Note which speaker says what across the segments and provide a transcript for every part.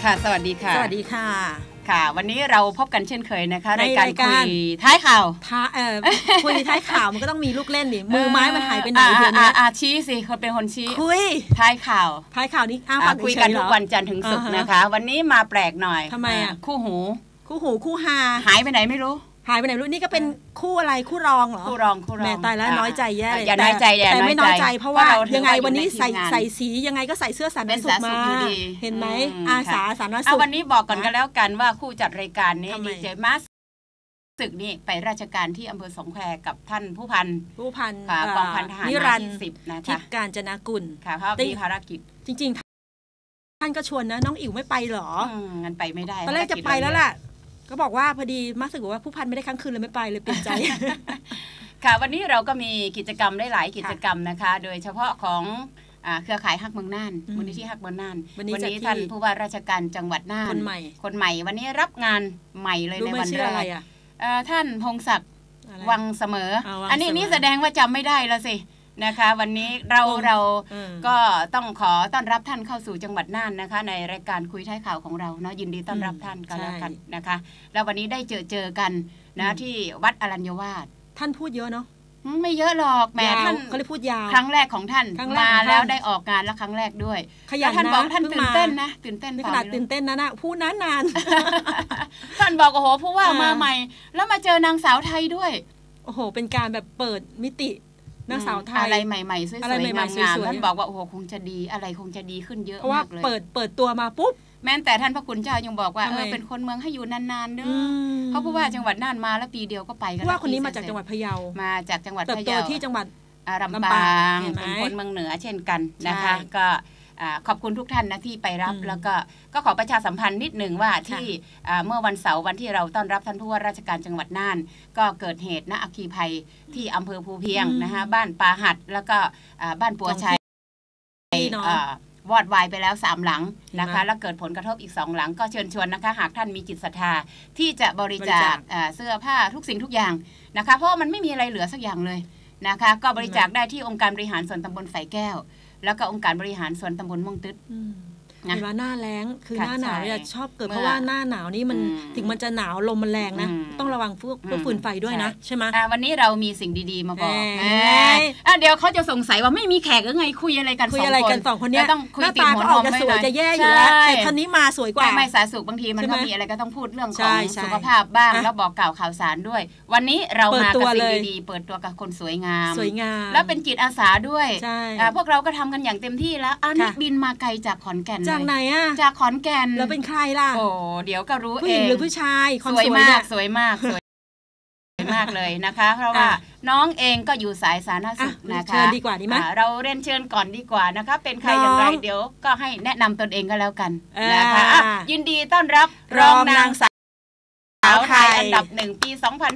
Speaker 1: ค่ะสวัสดีค่ะ
Speaker 2: สวัสดีค่ะ
Speaker 1: ค่ะวันนี้เราพบกันเช่นเคยนะคะรายการคุยท้ายข่าว
Speaker 2: คุยท้ายข่าวมันก็ต้องมีลูกเล่นดิมือไม้มันหายไปไหนเดี๋ยวนี้
Speaker 1: ชี้สิคนเป็นคนชี้
Speaker 2: คุย
Speaker 1: ท้ายข่าว
Speaker 2: นี้
Speaker 1: คุยกันทุกวันจันทร์ถึงศุกร์นะคะวันนี้มาแปลกหน่อย
Speaker 2: ทำไม
Speaker 1: คู่หู
Speaker 2: คู่ฮา
Speaker 1: หายไปไหนไม่รู้
Speaker 2: นี่ก็เป็นคู่อะไรคู่รองเหรอ
Speaker 1: คู่รอง
Speaker 2: แม่ตายแล้วน้อยใจแย่เลย
Speaker 1: อย่าน้อยใจ
Speaker 2: แต่ไม่น้อยใจเพราะว่ายังไงวันนี้ใส่สียังไงก็ใส่เสื้อสาธารณสุขมาเห็นไหมอาสาสาธารณสุข
Speaker 1: วันนี้บอกก่อนกันแล้วกันว่าคู่จัดรายการนี้ดีเจมาศึกนี่ไปราชการที่อำเภอสองแควกับท่านผู้พันกองพันทหาร
Speaker 2: นิรันดร์
Speaker 1: 10นะคะ
Speaker 2: ทิพย์กาญจนกุล
Speaker 1: ค่ะเขามีภารกิจ
Speaker 2: จริงๆท่านก็ชวนนะน้องอิ๋วไม่ไปหรอ
Speaker 1: งั้นไปไม่ได้
Speaker 2: ตอนแรกจะไปแล้วล่ะก็บอกว่าพอดีมาสึกว่าผู้พันไม่ได้ค้างคืนเลยไม่ไปเลยเปลี่ยนใจ
Speaker 1: ค่ะวันนี้เราก็มีกิจกรรมได้หลายกิจกรรมนะคะโดยเฉพาะของเครือข่ายฮักเมืองน่านมูลนิธิฮักเมืองน่านวันนี้ท่านผู้ว่าราชการจังหวัดน่านคนใหม่วันนี้รับงานใหม่เลยในวันแรกท่านพงศักดิ์วังเสมออันนี้แสดงว่าจำไม่ได้แล้วสินะคะวันนี้เราก็ต้องขอต้อนรับท่านเข้าสู่จังหวัดน่านนะคะในรายการคุยท้ายข่าวของเราเนาะยินดีต้อนรับท่านกันแล้วกันนะคะแล้ววันนี้ได้เจอกันนะที่วัดอรัญญวาส
Speaker 2: ท่านพูดเยอะเนาะ
Speaker 1: ไม่เยอะหรอกแม่ท่าน
Speaker 2: เขาเลยพูดยาว
Speaker 1: ครั้งแรกของท่านมาแล้วได้ออกงานแล้วครั้งแรกด้วย
Speaker 2: ขยันนะ
Speaker 1: ท่านบอกท่านตื่นเต้นนะตื่นเต้น
Speaker 2: ขนาดตื่นเต้นนะพูดนาน
Speaker 1: ท่านบอกโอ้โหผู้ว่ามาใหม่แล้วมาเจอนางสาวไทยด้วย
Speaker 2: โอ้โหเป็นการแบบเปิดมิตินางสาวไทย
Speaker 1: อะไรใหม่ๆสวยๆงามๆท่านบอกว่าโอ้โหคงจะดีอะไรคงจะดีขึ้นเยอะมากเลย
Speaker 2: เพราะว่าเปิดตัวมาปุ๊บ
Speaker 1: แม้แต่ท่านพระคุณเจ้ายังบอกว่าเป็นคนเมืองให้อยู่นานๆเด้อเพราะผู้ว่าจังหวัดน่านมาแล้วปีเดียวก็ไปกัน
Speaker 2: ว่าคนนี้มาจากจังหวัดพะเยา
Speaker 1: มาจากจังหวัดพะเยา
Speaker 2: เติบโตที่จังหวัด
Speaker 1: ลำปางเป็นคนเมืองเหนือเช่นกันนะคะก็ขอบคุณทุกท่านนะที่ไปรับแล้วก็ขอประชาสัมพันธ์นิดหนึ่งว่าที่เมื่อวันเสาร์วันที่เราต้อนรับท่านผู้ว่าราชการจังหวัดน่านก็เกิดเหตุนะอัคคีภัยที่อำเภอภูเพียงนะคะบ้านปาหัดแล้วก็บ้านปัวชัยวอดวายไปแล้ว3หลังนะคะแล้วเกิดผลกระทบอีก2หลังก็เชิญชวนนะคะหากท่านมีจิตศรัทธาที่จะบริจาคเสื้อผ้าทุกสิ่งทุกอย่างนะคะเพราะมันไม่มีอะไรเหลือสักอย่างเลยนะคะก็บริจาคได้ที่องค์การบริหารส่วนตำบลไฝแก้วแล้วก็องค์การบริหารส่วนตำบลม่วงตึ๊ด
Speaker 2: เวลาหน้าแล้งคือหน้าหนาวเนี่ยชอบเกิดเพราะว่าหน้าหนาวนี่มันถึงมันจะหนาวลมมันแรงนะต้องระวังพวกฟืนไฟด้วยนะใช่ไหม
Speaker 1: วันนี้เรามีสิ่งดีๆมาบอกเดี๋ยวเขาจะสงสัยว่าไม่มีแขกหรือไงคุยอะไรกัน
Speaker 2: 2 คนเนี่ย
Speaker 1: ต้องคุยติดหัว
Speaker 2: ออกจะสวยจะแย่อยู่แล้วแต่ท่านนี้มาสวยกว่า
Speaker 1: ไม่สาสุขบางทีมันก็มีอะไรก็ต้องพูดเรื่องของสุขภาพบ้างแล้วบอกกล่าวข่าวสารด้วยวันนี้เรามากับสิ่งดีๆเปิดตัวกับคนสวยงามแล้วเป็นจิตอาสาด้วยพวกเราก็ทำกันอย่างเต็มที่แล้วนี่บินมาไกลจากขอนแก่น
Speaker 2: จากไหนอะ
Speaker 1: จากขอนแก่น
Speaker 2: แล้วเป็นใครล่ะ
Speaker 1: โอ้เดี๋ยวก็รู้เอง
Speaker 2: ผู้หญิงหรือผู้ชาย
Speaker 1: สวยมากสวยมากเลยนะคะเพราะว่าน้องเองก็อยู่สายสาธารณสุขนะคะ
Speaker 2: เชิญดีกว่าดีไหม
Speaker 1: เราเรียนเชิญก่อนดีกว่านะคะเป็นใครอย่างไรเดี๋ยวก็ให้แนะนำตนเองก็แล้วกันนะคะยินดีต้อนรับรองนางสาวไทยอันดับ1ปี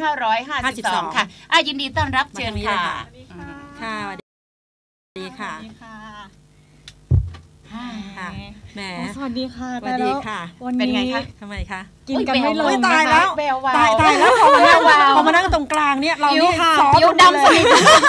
Speaker 1: 2552ค่ะยินดีต้อนรับเชิญค่ะ
Speaker 2: ค่ะสวัสดีค่ะแหม
Speaker 3: สวัสดีค่ะ
Speaker 2: สวัสดีค่ะ
Speaker 1: เป็นไงคะ
Speaker 2: ทำไมคะ
Speaker 3: กินกันไม่ลง
Speaker 2: ตายแล้วตายแล้วพอมานั่งตรงกลางเนี่ยเรานี่
Speaker 1: ผิวดำสนิท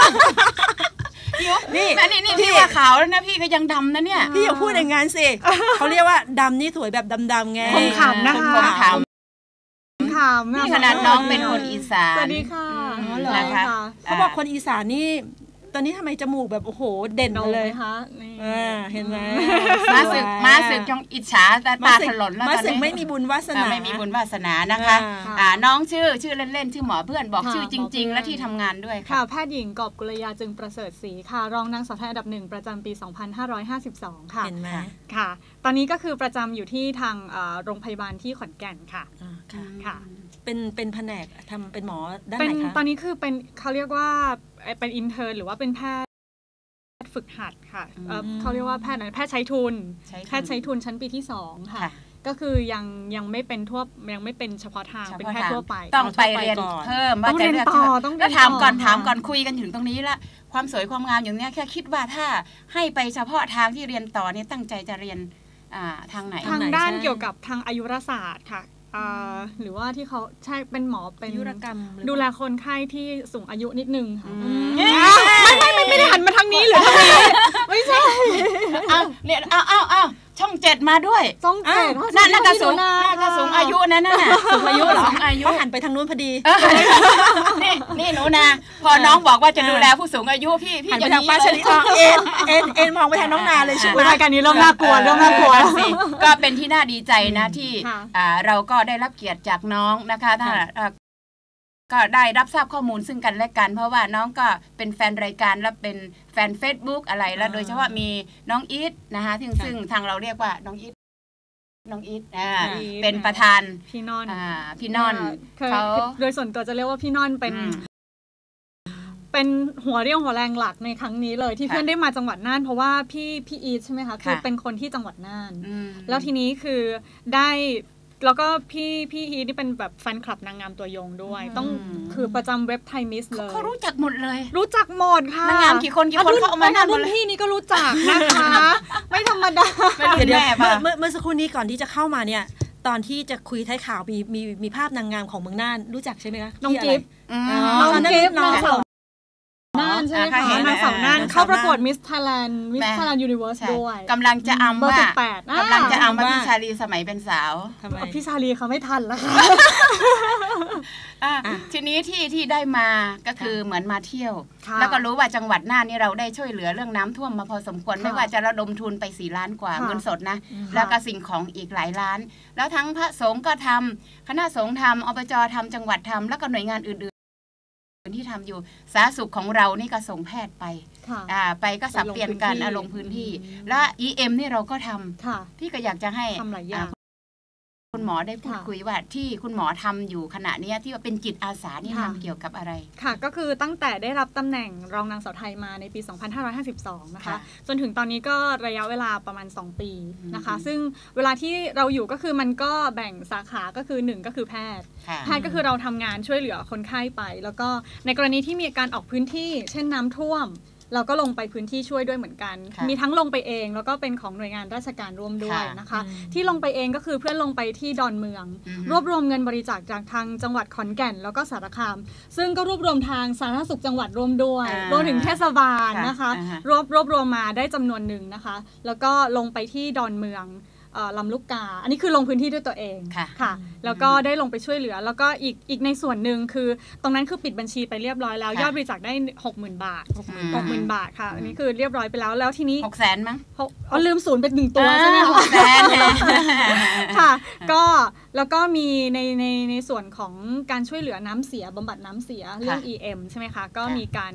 Speaker 1: นี่พี่ว่าขาวแล้วนะพี่ก็ยังดำนะเนี่ย
Speaker 2: พี่อย่าพูดอย่างงั้นสิเขาเรียกว่าดำนี่สวยแบบดำๆไง
Speaker 3: คมขำนะคะ
Speaker 1: คมขำนี่ขนาดน้องเป็นคนอีสาน
Speaker 3: สวัสดีค่ะ
Speaker 1: นะคะ
Speaker 2: เขาบอกคนอีสานนี่ตอนนี้ทำไมจมูกแบบโอ้โหเด่นเลย
Speaker 3: คะ
Speaker 2: เห็นไหม
Speaker 1: มาสึกจงอิจฉาตาถลนแล้วตอนนี้
Speaker 2: มาสึกไม่มีบุญวาสนา
Speaker 1: ไม่มีบุญวาสนานะคะน้องชื่อเล่นๆชื่อหมอเพื่อนบอกชื่อจริงๆและที่ทำงานด้วย
Speaker 3: ค่ะแพทย์หญิงกอบกุลยาจึงประเสริฐศรีค่ะรองนางสาวไทยอันดับ1ประจำปี2552ค่ะ
Speaker 2: เห็นไหม
Speaker 3: ค่ะตอนนี้ก็คือประจำอยู่ที่ทางโรงพยาบาลที่ขอนแก่นค่ะ
Speaker 2: ค่ะเป็นแผนกทำเป็นหมอด้านไหนคะ
Speaker 3: ตอนนี้คือเป็นเขาเรียกว่าเป็นอินเทิร์นหรือว่าเป็นแพทย์ฝึกหัดค่ะเขาเรียกว่าแพทย์ใช้ทุนชั้นปีที่2ค่ะก็คือยังไม่เป็นยังไม่เป็นเฉพาะทางเป็นแพทย์ทั่วไป
Speaker 1: ต้องไปเรียนเพิ่ม
Speaker 3: ต้องเรียนต่อต้อง
Speaker 1: ถามก่อนคุยกันถึงตรงนี้ละความสวยความงามอย่างนี้แค่คิดว่าถ้าให้ไปเฉพาะทางที่เรียนต่อเนี่ยตั้งใจจะเรียนทางไหน
Speaker 3: ทางด้านเกี่ยวกับทางอายุรศาสตร์ค่ะหรือว่าที่เขาใช่เป็นหมอเป็น
Speaker 2: ยุรกรรม
Speaker 3: ดูแลคนไข้ที่สูงอายุนิดนึงค่ะไม่ได้หันมาทางนี้หรือทางนี้ไม่ใช่
Speaker 1: เอาเนี่ยเอาช่อง7มาด้วย
Speaker 3: ช่อง7
Speaker 1: น่ากระสูงอายุนั่นน่ะสูงอายุเหรออายุ
Speaker 2: หันไปทางนู้นพอดี
Speaker 1: นี่หนูนาพอน้องบอกว่าจะดูแลผู้สูงอายุพี่
Speaker 2: หันไปทางป้าชลิตเอ็นมองไปทางน้องนาเลยใช่ไหม
Speaker 3: รายการนี้เริ่มน่ากลัว
Speaker 1: ก็เป็นที่น่าดีใจนะที่เราก็ได้รับเกียรติจากน้องนะคะถ้าก็ได้รับทราบข้อมูลซึ่งกันและกันเพราะว่าน้องก็เป็นแฟนรายการและเป็นแฟน Facebook อะไรแล้วโดยเฉพาะมีน้องอีทนะคะซึ่งทางเราเรียกว่าน้องอีทเป็นประธาน
Speaker 3: พี่น
Speaker 1: อนเขา
Speaker 3: โดยส่วนตัวจะเรียกว่าพี่นอนเป็นหัวเรี่ยวหัวแรงหลักในครั้งนี้เลยที่เพื่อนได้มาจังหวัดน่านเพราะว่าพี่อีทใช่ไหมคะคือเป็นคนที่จังหวัดน่านแล้วทีนี้คือได้แล้วก็พี่อีทนี่เป็นแบบแฟนคลับนางงามตัวยงด้วยต้องคือประจำเว็บไทยมิสเลย
Speaker 1: เขารู้จักหมดเลย
Speaker 3: รู้จักหมดค่ะ
Speaker 1: นางงามกี่คนเขาเอามาหน้า
Speaker 3: รุ่นพี่นี่ก็รู้จักนะคะไม่ธรรมดา
Speaker 2: เดี๋ยวเมื่อสักครู่นี้ก่อนที่จะเข้ามาเนี่ยตอนที่จะคุยท้ายข่าวมีภาพนางงามของเมืองน่านรู้จักใช่ไหมคะ
Speaker 3: น้องกิฟต์น้องสาวน่านใช่ไหมคะนางสาวน่านเข้าประกวดมิสไทยแลนด์ยูนิเวิร์สด้วย
Speaker 1: กำลังจะอำว่พี่ชาลีสมัยเป็นสาว
Speaker 3: พี่ชาลีเขาไม่ทันแล้วค่ะ
Speaker 1: ทีนี้ที่ได้มาก็คือเหมือนมาเที่ยวแล้วก็รู้ว่าจังหวัดน่านนี่เราได้ช่วยเหลือเรื่องน้ำท่วมมาพอสมควรไม่ว่าจะระดมทุนไป4 ล้านกว่าเงินสดนะแล้วก็สิ่งของอีกหลายล้านแล้วทั้งพระสงฆ์ก็ทำคณะสงฆ์ทำอบจทำจังหวัดทำแล้วก็หน่วยงานอื่นที่ทำอยู่สาธารณสุขของเรานี่ก็ส่งแพทย์ไปไปก็สับเปลี่ยนกันลงพื้นที่และ EM นี่เราก็ทำพี่ก็อยากจะให้คุณหมอได้พูดคุยว่าที่คุณหมอทำอยู่ขณะนี้ที่ว่าเป็นจิตอาสานี่ทำเกี่ยวกับอะไร
Speaker 3: ค่ะก็คือตั้งแต่ได้รับตำแหน่งรองนางสาวไทยมาในปี 2552 นะคะจนถึงตอนนี้ก็ระยะเวลาประมาณ2 ปีนะคะซึ่งเวลาที่เราอยู่ก็คือมันก็แบ่งสาขาก็คือ1ก็คือแพทย์ก็คือเราทำงานช่วยเหลือคนไข้ไปแล้วก็ในกรณีที่มีการออกพื้นที่เช่นน้ำท่วมเราก็ลงไปพื้นที่ช่วยด้วยเหมือนกันมีทั้งลงไปเองแล้วก็เป็นของหน่วยงานราชการร่วมด้วยนะคะที่ลงไปเองก็คือเพื่อนลงไปที่ดอนเมืองรวบรวมเงินบริจาคจากทางจังหวัดขอนแก่นแล้วก็สารคามซึ่งก็รวบรวมทางสาธารณสุขจังหวัดร่วมด้วยรวมถึงเทศบาลนะคะรวบรวมมาได้จำนวนหนึ่งนะคะแล้วก็ลงไปที่ดอนเมืองลำลูกกาอันนี้คือลงพื้นที่ด้วยตัวเองค่ะแล้วก็ได้ลงไปช่วยเหลือแล้วก็อีกในส่วนหนึ่งคือตรงนั้นคือปิดบัญชีไปเรียบร้อยแล้วยอดบริจาคได้ 60,000 บาท 60,000 บาทค่ะอันนี้คือเรียบร้อยไปแล้วทีนี้
Speaker 1: 600,000 มั้ง
Speaker 3: ลืมศูนย์เป็น1 ตัวใช่ไหมคะค่ะก็แล้วก็มีในส่วนของการช่วยเหลือน้ำเสียบำบัดน้ำเสียเรื่อง EM ใช่ไหมคะก็มีการ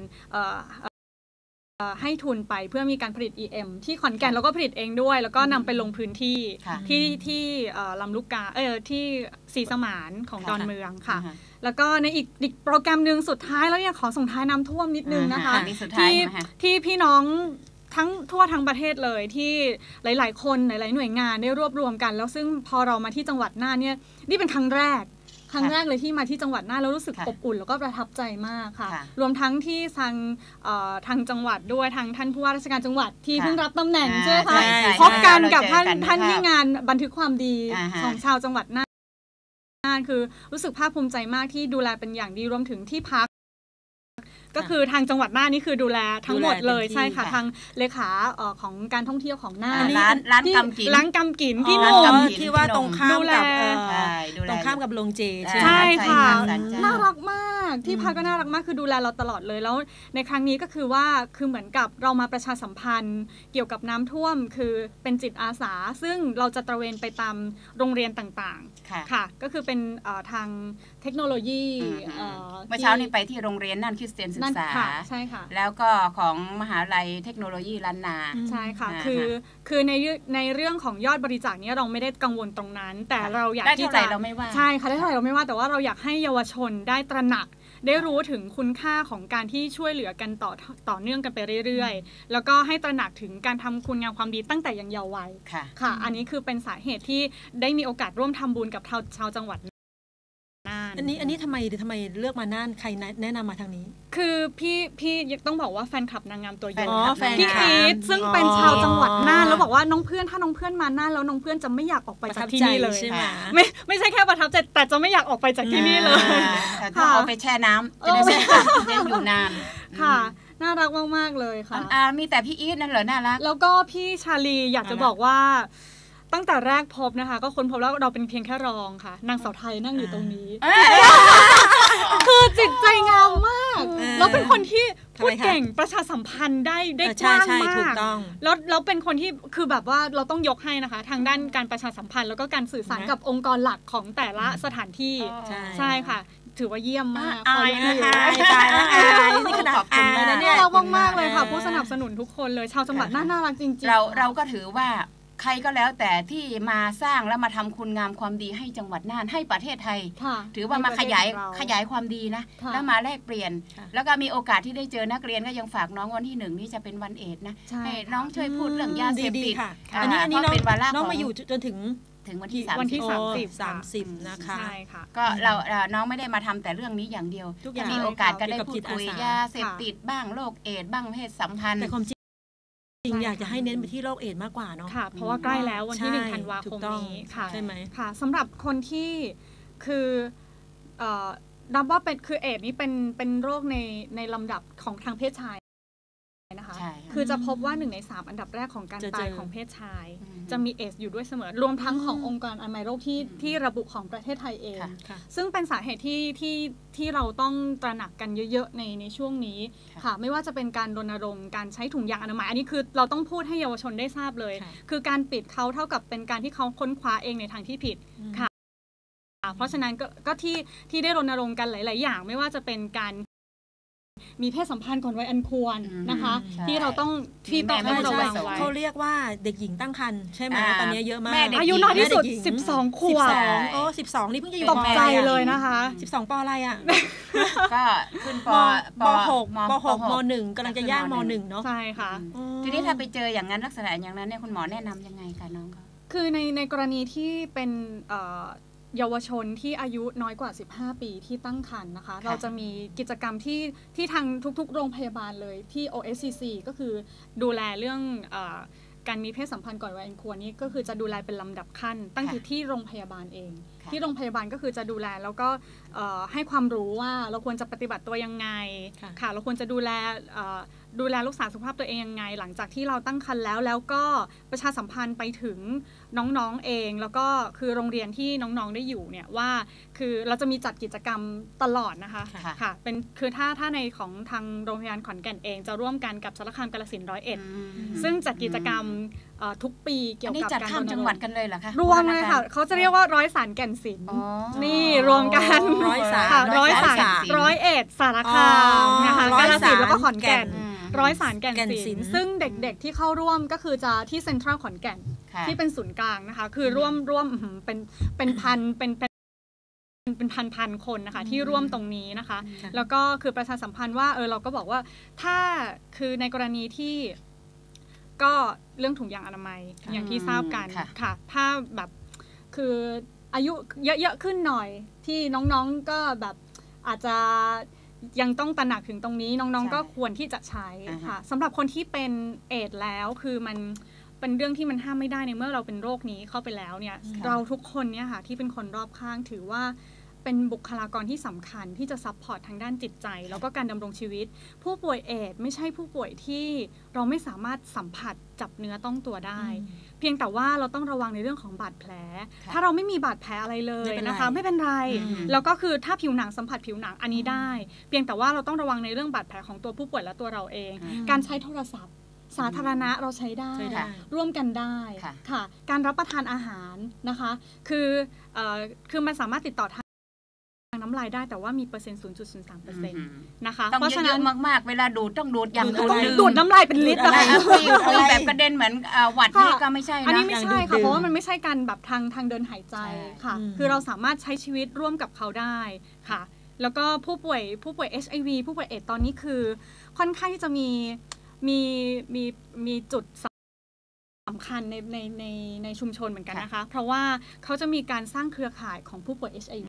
Speaker 3: ให้ทุนไปเพื่อมีการผลิต EM ที่ขอนแก่นแล้วก็ผลิตเองด้วยแล้วก็นำไปลงพื้นที่ที่ลำลูกกาที่ศรีสมานของดอนเมืองค่ะแล้วก็ในอีกโปรแกรมหนึ่งสุดท้ายแล้วเนี่ยขอส่งท้ายน้ำท่วมนิดนึงนะคะที่พี่น้องทั่วทั้งประเทศเลยที่หลายๆคนหลายๆหน่วยงานได้รวบรวมกันแล้วซึ่งพอเรามาที่จังหวัดน่านเนี่ยนี่เป็นครั้งแรกเลยที่มาที่จังหวัดน่านแล้วรู้สึกอบอุ่นแล้วก็ประทับใจมากค่ะรวมทั้งที่ทางจังหวัดด้วยทางท่านผู้ว่าราชการจังหวัดที่เพิ่งรับตำแหน่งใช่ไหมคะพบกันกับท่านที่งานบันทึกความดีของชาวจังหวัดน่านคือรู้สึกภาคภูมิใจมากที่ดูแลเป็นอย่างดีรวมถึงที่พักก็คือทางจังหวัดน่านนี่คือดูแลทั้งหมดเลยใช่ค่ะทางเลขาของการท่องเที่ยวของน่าน
Speaker 1: ร้านกำ
Speaker 3: กินพี่หนุ่ม
Speaker 2: ที่ว่าตรงข้ามกับโรงเจ
Speaker 3: ใช่ค่ะน่ารักมากที่พักก็น่ารักมากคือดูแลเราตลอดเลยแล้วในครั้งนี้ก็คือว่าคือเหมือนกับเรามาประชาสัมพันธ์เกี่ยวกับน้ำท่วมคือเป็นจิตอาสาซึ่งเราจะตระเวนไปตามโรงเรียนต่างๆค่ะก็คือเป็นทางเทคโนโลยี
Speaker 1: เมื่อเช้านี้ไปที่โรงเรียนน่านคริสเตียนศึกษา
Speaker 3: ใช่ค่ะ
Speaker 1: แล้วก็ของมหาวิทยาลัยเทคโนโลยีล้านนา
Speaker 3: ใช่ค่ะคือในเรื่องของยอดบริจาคนี้เราไม่ได้กังวลตรงนั้นแต่เราอยากที่จะใช่ค่ะได้เท่าไหร่เราไม่ว่าแต่ว่าเราอยากให้เยาวชนได้ตระหนักได้รู้ถึงคุณค่าของการที่ช่วยเหลือกันต่อเนื่องกันไปเรื่อยๆแล้วก็ให้ตระหนักถึงการทำคุณงามความดีตั้งแต่ยังเยาว์วัยค่ะอันนี้คือเป็นสาเหตุที่ได้มีโอกาสร่วมทำบุญกับชาวจังหวัด
Speaker 2: อันนี้ทำไมเลือกมาน่านใครแนะนำมาทางนี้
Speaker 3: คือพี่ต้องบอกว่าแฟนคลับนางงามตัวยงพี่อีทซึ่งเป็นชาวจังหวัดน่านแล้วบอกว่าน้องเพื่อนถ้าน้องเพื่อนมาน่านแล้วน้องเพื่อนจะไม่อยากออกไปจากที่นี่เลย
Speaker 2: ใช่ไหม
Speaker 3: ไม่ใช่แค่ประทับใจแต่จะไม่อยากออกไปจากที่นี่เลย
Speaker 1: ถ้าเอาไปแช่น้ำจะได้ไม่อยู่นาน
Speaker 3: ค่ะน่ารักมากๆเลยค่ะ
Speaker 1: มีแต่พี่อีทนั่นเหรอน่ารัก
Speaker 3: แล้วก็พี่ชาลีอยากจะบอกว่าตั้งแต่แรกพบนะคะก็ค้นพบแล้วเราเป็นเพียงแค่รองค่ะนางสาวไทยนั่งอยู่ตรงนี้คือจิตใจงามมากแล้วเป็นคนที่พูดเก่งประชาสัมพันธ์ได้กว้างมากแล้วเป็นคนที่คือแบบว่าเราต้องยกให้นะคะทางด้านการประชาสัมพันธ์แล้วก็การสื่อสารกับองค์กรหลักของแต่ละสถานที่ใช่ค่ะถือว่าเยี่ยมมาก
Speaker 2: อายนี่ขนาดอายเลยนะเนี่ย
Speaker 3: น่ารักมากๆเลยค่ะผู้สนับสนุนทุกคนเลยชาวจังหวัดน่ารักจริง
Speaker 1: ๆเราก็ถือว่าใครก็แล้วแต่ที่มาสร้างและมาทำคุณงามความดีให้จังหวัดน่านให้ประเทศไทยถือว่ามาขยายความดีนะแล้วมาแลกเปลี่ยนแล้วก็มีโอกาสที่ได้เจอนักเรียนก็ยังฝากน้องวันที่1นี่จะเป็นวันเอดนะให้น้องช่วยพูดเรื่องยาเสพติด
Speaker 2: อันนี้น้องมาอยู่จนถึง
Speaker 1: วันที่
Speaker 2: 30นะคะ
Speaker 3: ใช่ค่ะ
Speaker 1: ก็น้องไม่ได้มาทำแต่เรื่องนี้อย่างเดียวมีโอกาสก็ได้พูดคุยยาเสพติดบ้างโรคเอดส์บ้างเพศสัมพันธ์
Speaker 2: จริงอยากจะให้เน้นไปที่โรคเอดส์มากกว่าเนาะ
Speaker 3: ค่ะเพราะว่าใกล้แล้ววันที่1 ธันวาคมนี้ค่ะ
Speaker 2: ใช่ไหม
Speaker 3: ค่ะสำหรับคนที่คือนับว่าเป็นคือเอดส์นี้เป็นโรคในลำดับของทางเพศชายนะคะคือจะพบว่า1 ใน 3อันดับแรกของการตายของเพศชายจะมีเอดส์อยู่ด้วยเสมอรวมทั้งขององค์การอนามัยโลกที่ระบุของประเทศไทยเองซึ่งเป็นสาเหตุที่เราต้องตระหนักกันเยอะๆในช่วงนี้ค่ะไม่ว่าจะเป็นการรณรงค์การใช้ถุงยางอนามัยอันนี้คือเราต้องพูดให้เยาวชนได้ทราบเลยคือการปิดเขาเท่ากับเป็นการที่เขาค้นคว้าเองในทางที่ผิดค่ะเพราะฉะนั้นก็ที่ได้รณรงค์กันหลายๆอย่างไม่ว่าจะเป็นการมีเพศสัมพันธ์ก่อนวัยอันควรนะคะที่เราต้องระวังไว้
Speaker 2: เขาเรียกว่าเด็กหญิงตั้งครรภ์ใช่ไหมตอนนี้เยอะมาก
Speaker 3: อายุน้อยที่สุด12 ขวบ
Speaker 2: 12นี่เพิ่งจะอยู่
Speaker 3: ตกใจเลยนะคะ
Speaker 2: 12ป.อะไรอ่ะ
Speaker 1: ก็ขึ้นป
Speaker 2: .6 ม.1 กำลังจะย่างม.1 เนาะ
Speaker 3: ใช่ค่ะ
Speaker 1: ทีนี้ถ้าไปเจออย่างนั้นลักษณะอย่างนั้นเนี่ยคุณหมอแนะนำยังไงคะน้องก็
Speaker 3: คือในกรณีที่เป็นเยาวชนที่อายุน้อยกว่า15 ปีที่ตั้งครรภ์นะคะเราจะมีกิจกรรมที่ทางทุกๆโรงพยาบาลเลยที่ OSCC ก็คือดูแลเรื่องการมีเพศสัมพันธ์ก่อนวัยอันควรนี่ก็คือจะดูแลเป็นลำดับขั้นตั้งแต่ที่โรงพยาบาลเองที่โรงพยาบาลก็คือจะดูแลแล้วก็ให้ความรู้ว่าเราควรจะปฏิบัติตัวยังไงค่ะเราควรจะดูแลรักษาสุขภาพตัวเองยังไงหลังจากที่เราตั้งครรภ์แล้วก็ประชาสัมพันธ์ไปถึงน้องๆเองแล้วก็คือโรงเรียนที่น้องๆได้อยู่เนี่ยว่าคือเราจะมีจัดกิจกรรมตลอดนะคะค่ะเป็นคือถ้าในของทางโรงพยาบาลขอนแก่นเองจะร่วมกันกับสารคามกาฬสินธุ์101ซึ่งจัดกิจกรรมทุกปีเกี่ยวกับ
Speaker 1: การจัดจังหวัดกันเลยเหรอคะ
Speaker 3: รวมเลยค่ะเขาจะเรียกว่าร้อยสารแก่นศิลป์นี่รวมกันร้อยสาร101สารคามนะคะกาฬสินธุ์แล้วก็ขอนแก่นร้อยสารแก่นศิลป์ซึ่งเด็กๆที่เข้าร่วมก็คือจะที่เซ็นทรัลขอนแก่นที่เป็นศูนย์กลางนะคะคือร่วมเป็นพันเป็นพันคนนะคะที่ร่วมตรงนี้นะคะแล้วก็คือประชาสัมพันธ์ว่าเราก็บอกว่าถ้าคือในกรณีที่ก็เรื่องถุงยางอนามัยอย่างที่ทราบกันค่ะถ้าแบบคืออายุเยอะๆขึ้นหน่อยที่น้องๆก็แบบอาจจะยังต้องตระหนักถึงตรงนี้น้องๆก็ควรที่จะใช้ค่ะสำหรับคนที่เป็นเอดส์แล้วคือมันเป็นเรื่องที่มันห้ามไม่ได้ในเมื่อเราเป็นโรคนี้เข้าไปแล้วเนี่ยเราทุกคนเนี่ยค่ะที่เป็นคนรอบข้างถือว่าเป็นบุคลากรที่สำคัญที่จะซัพพอร์ตทางด้านจิตใจแล้วก็การดำรงชีวิตผู้ป่วยเอดส์ไม่ใช่ผู้ป่วยที่เราไม่สามารถสัมผัสจับเนื้อต้องตัวได้เพียงแต่ว่าเราต้องระวังในเรื่องของบาดแผลถ้าเราไม่มีบาดแผลอะไรเลยนะคะไม่เป็นไรแล้วก็คือถ้าผิวหนังสัมผัสผิวหนังอันนี้ได้เพียงแต่ว่าเราต้องระวังในเรื่องบาดแผลของตัวผู้ป่วยและตัวเราเองการใช้โทรศัพท์สาธารณะเราใช้ได้ร่วมกันได้ค่ะการรับประทานอาหารนะคะคือมันสามารถติดต่อทางน้ำลายได้แต่ว่ามีเปอร์เซ็นต์ 0.03% นะคะ
Speaker 1: เพราะฉะนั้นมากๆเวลาดูดต้องดูดอย่าง
Speaker 3: ดูดน้ำลายเป็นลิตร
Speaker 1: อะไรแบบกระเด็นเหมือนหวัดนี่ก็ไม่ใช่นะ
Speaker 3: อันนี้ไม่ใช่ค่ะเพราะว่ามันไม่ใช่การแบบทางเดินหายใจค่ะคือเราสามารถใช้ชีวิตร่วมกับเขาได้ค่ะแล้วก็ผู้ป่วย HIV ผู้ป่วยเอดส์ตอนนี้คือค่อนข้างที่จะมีจุดสำคัญในชุมชนเหมือนกันนะคะเพราะว่าเขาจะมีการสร้างเครือข่ายของผู้ป่วย HIV